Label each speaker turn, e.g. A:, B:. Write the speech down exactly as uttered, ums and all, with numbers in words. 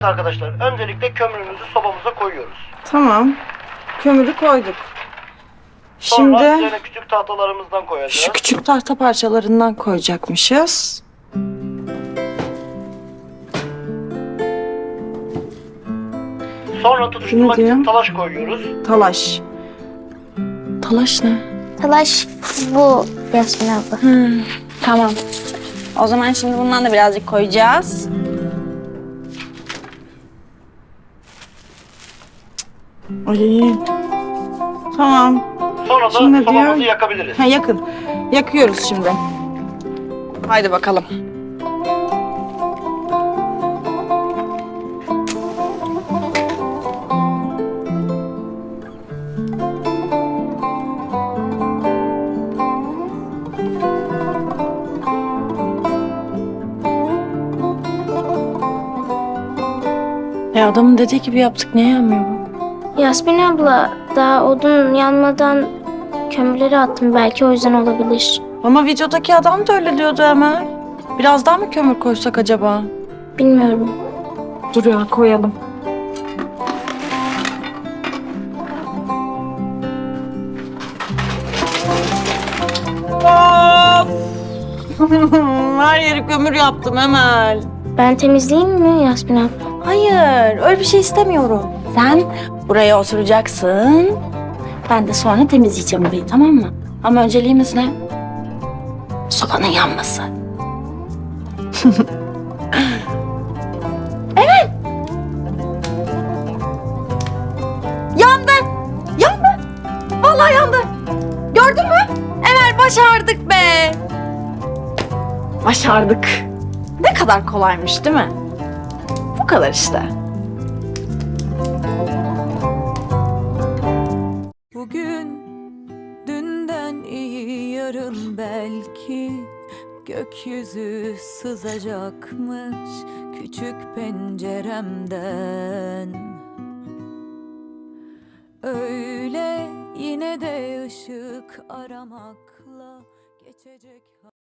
A: Arkadaşlar öncelikle kömürümüzü sobamıza koyuyoruz.
B: Tamam. Kömürü koyduk.
A: Sonra
B: Şimdi
A: üzerine küçük tahtalarımızdan koyacağız.
B: şu küçük tahta parçalarından koyacakmışız.
A: Sonra tutuşturmak
B: Ne diyor?
A: için talaş koyuyoruz.
B: Talaş. Talaş ne?
C: Talaş bu Yasmin abla.
D: Hmm, tamam. O zaman şimdi bundan da birazcık koyacağız.
B: Ay. Tamam.
A: Sonra da
B: Şimdi ne
A: sobamızı
B: diyor?
A: yakabiliriz.
B: Ha, yakın. Yakıyoruz şimdi. Haydi bakalım. E adamın dediği gibi yaptık. Niye yanmıyor bu?
C: Yasmin abla daha odun yanmadan kömürleri attım. Belki o yüzden olabilir.
B: Ama videodaki adam da öyle diyordu Emel. Biraz daha mı kömür koysak acaba?
C: Bilmiyorum.
B: Dur ya, koyalım. Of! Her yeri kömür yaptım Emel.
C: Ben temizleyeyim mi Yasmin abla?
D: Hayır, öyle bir şey istemiyorum. Sen buraya oturacaksın. Ben de sonra temizleyeceğim burayı, tamam mı? Ama önceliğimiz ne? Sobanın yanması. Evet. Yandı. Yandı. Vallahi yandı. Gördün mü? Emel, başardık be. Başardık. Ne kadar kolaymış değil mi? Bu kadar işte.
E: Bugün dünden iyi, yarın belki gökyüzü sızacakmış küçük penceremden. Öyle yine de ışık aramakla geçecek.